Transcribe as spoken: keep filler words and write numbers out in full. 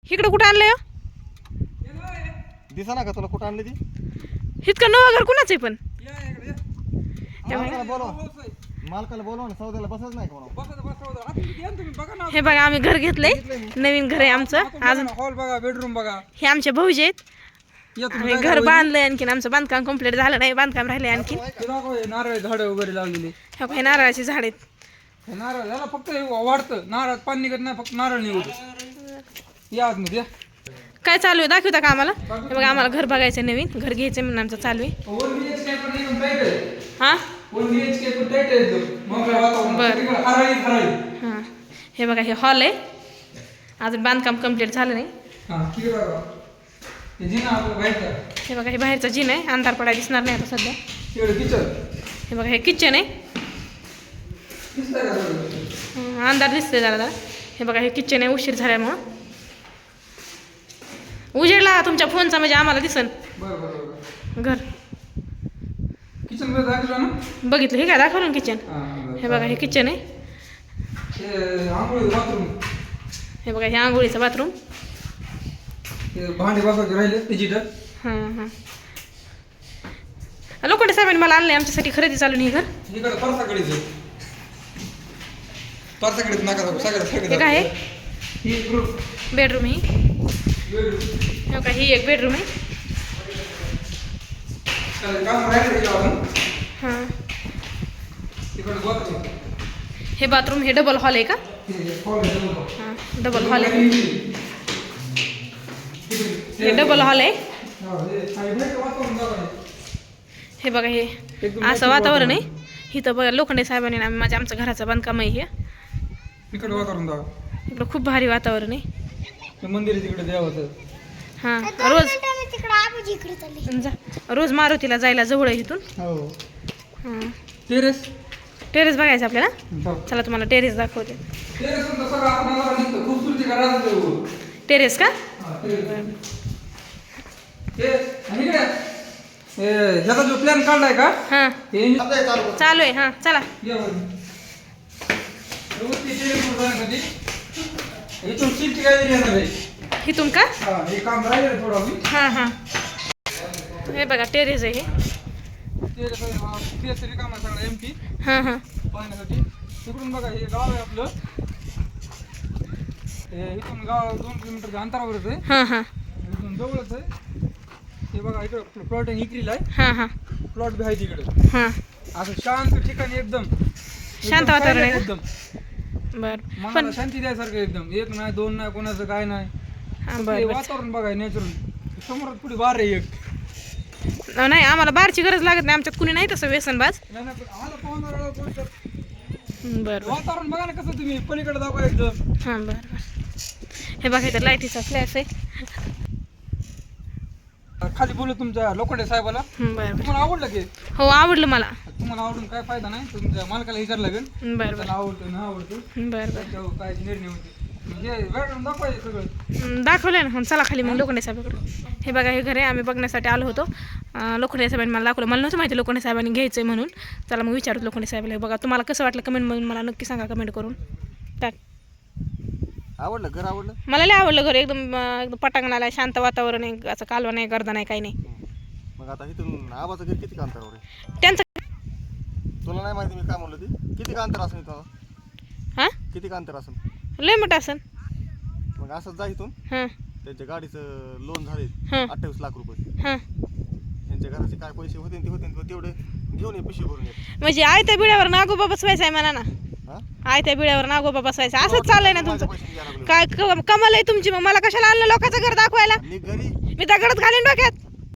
इकडं कुठं आणलंय दिसा ना का तुला कुठं आणली ती इतकं नवं घर कुणाचं आहे पण मालकाला बोलवा मालकाला बोलवा ना सौद्याला बसच नाही का हे बघा आम्ही घर घेतलंय नवीन घर आहे आमचं अजून हॉल बघा बेडरूम बघा हे आमचे भाऊजी आहेत आम्ही घर बांधलंय आणखीन आमचं बांधकाम कंप्लीट झालं नाही बांधकाम राहिलंय आणखीन नारळ झाड वगैरे लावलेली हे बघा, हे नारळाची झाड आहेत हे नारळ याला फक्त हे वाढतं नारळ पाणी निघत नाही फक्त नारळ निघतो या आतमध्ये काय चालू आहे दाखवता का आम्हाला हे बघा आम्हाला घर बघायचं नवीन घर घ्यायचं म्हणून आमचं चालू आहे वन बी एच के पण एकदम टाईट आहे हा वन बी एच के पण टाईट आहे एकदम मोकळ्या वातावरणात हराळी हराळी हां हे बघा हे हॉल आहे अजून बांधकाम कंप्लीट झालं नाही हां ठीक आहे बघा हे जिना आपलं बाहेरचं हे बघा हे बाहेरचं जिन आहे अंधार पडाय दिसणार नाही आता सध्या तिकडे किचन हे बघा हे किचन आहे दिसतंय का सगळं? हं, अंधार दिसतोय जरा जरा हे बघा हे किचन आहे उशीर झाल्यामुळं उजेडला तुमच्या फोनचा म्हणजे आम्हाला दिसन बरं बरं बरं घर किचन मध्ये दाखवलं ना बघितलं हे काय दाखवलं ना किचन हां हे बघा हे किचन आहे हे आंघोळी बाथरूम हे बघा हे आंघोळीचं बाथरूम हे भांडे बसवायचे राहिले डिजिटल हां हां लोखंडे साहेबांनी मला आणलं आमच्यासाठी खरेदी चालू नाही घर इकडे परसाकडेच आहे परसाकडेच नका दाखवू सगळं सगळं हे काय आहे ही ग्रुप बेडरूम ही बेडरूम हे बघा ही एक बेडरूम आहे काम राहिलं आपण हां तिकडे बाथरूम हे बाथरूम हे डबल हॉल आहे का हॉल हां डबल हॉल आहे हे डबल हॉल आहे हे बघा हे असं वातावरण आहे इथं बघा लोखंडे साहेबांनी ना माझ्या आमचं घराचं बांधकाम आहे हे इकडे वातावरण दाखव इकडं खूप भारी वातावरण आहे ते मंदिर आहे तिकडे देवाचं हां रोज जा रोज मारुतीला जायला जवळ आहे इथून हो हां टेरेस टेरेस बघायचं आपल्याला हो चला तुम्हाला टेरेस दाखवते टेरेस पण सगळं आपल्याला निघतं खूपसूरती करायचं टेरेस का हे आणि इकडे हे ह्याचा जो प्लॅन काढलाय का हां हे चालू आहे हां चला या बरं. व्यवस्थित टेरेसवर जाण्यासाठी इथून सीट काय येणार आहे इथून का हा हे काम राहिलं थोडं आम्ही हां हां हे बघा टेरेस आहे हे टेरेस टेरेस रिकाम आहे सगळं एम टी हां हां पाहण्यासाठी तिकडून बघा हे गाव आहे आपलं हे इथून गाव दोन किलोमीटरच्या अंतरावरच आहे हां हां इथून जवळच आहे हे बघा इकडं प्लॉट आहे इकरीला आहे हां हां प्लॉट बी आहे तिकडे हां असं शांत ठिकाणी एकदम शांत वातावरण आहे एकदम बरं मनाला पण शांती द्यायसारखं एकदम एक नाही दोन नाही कोणाचं काय नाही हां हे बरं बरं वातावरण बघाय नॅचरल समोरात पुढे बार आहे एक नाही आम्हाला बारची गरज लागत नाही आमच्यात कुणी नाही तसं व्यसनबाज नाही नाही, पण आम्हाला पाहणार कोण तर बरं बरं वातावरण बघा ना कसं तुम्ही पलीकडे दाखवा एकदम हां बरं बरं हे बघा इथं लाईटीचा फ्लॅश आहे खाली बोलू तुमच्या लोखंडे साहेबाला हं, बरं बरं तुम्हाला आवडलं की हो आवडलं मला तुम्हाला आवडून काय फायदा नाही तुमच्या मालकाला विचार लागेल बरं बरं त्याला आवडतं ना आवडतं बरं बरं त्याच्यावर काय निर्णय होते म्हणजे बेडरूम दाखवायचे सगळं हं, दाखवलं ना हं, चला खाली मग लोखंडे साहेबाकडे हे बघा हे घर आहे आम्ही बघण्यासाठी आलो होतो अं, लोखंडे साहेबांनी मला दाखवलं मला नव्हतं माहिती लोखंडे साहेबांनी घ्यायचं आहे म्हणून चला मग विचारतो लोखंडे साहेबाला हे बघा तुम्हाला कसं वाटलं कमेंटमधून मला नक्की सांगा कमेंट करून टाक आवडलं घर आवडलं मला लय आवडलं घर एकदम अं, एकदम पटांगणाला आहे शांत वातावरण आहे असं कालवा नाही गर्दा नाही काही नाही मग आता इथून आबाचं घर किती अंतरावर आहे त्यांचं तुला नाही माहिती मी काय म्हणलं ती किती अंतर असेल इथं हां किती अंतर असेल लय मोठं असन मग असंच जा इथून हां त्यांच्या गाडीचं लोन झाले हां अठ्ठावीस लाख रुपये हां यांच्या घराचे काय पैसे होते ते होते तेवढे घेऊन ये पिशवी भरून ये म्हणजे आयत्या बिळावर नागोबा बसवायचा आहे म्हणा ना हा आयत्या बिळावर नागोबा बसवायचा असंच चाललंय ना तुमचं पैसे घ्यायला लागलो काय क- कमाल आहे तुमची मग मला कशाला आणलं लोकांचं घर दाखवायला मी घरी मी दगडात घालीन डोक्यात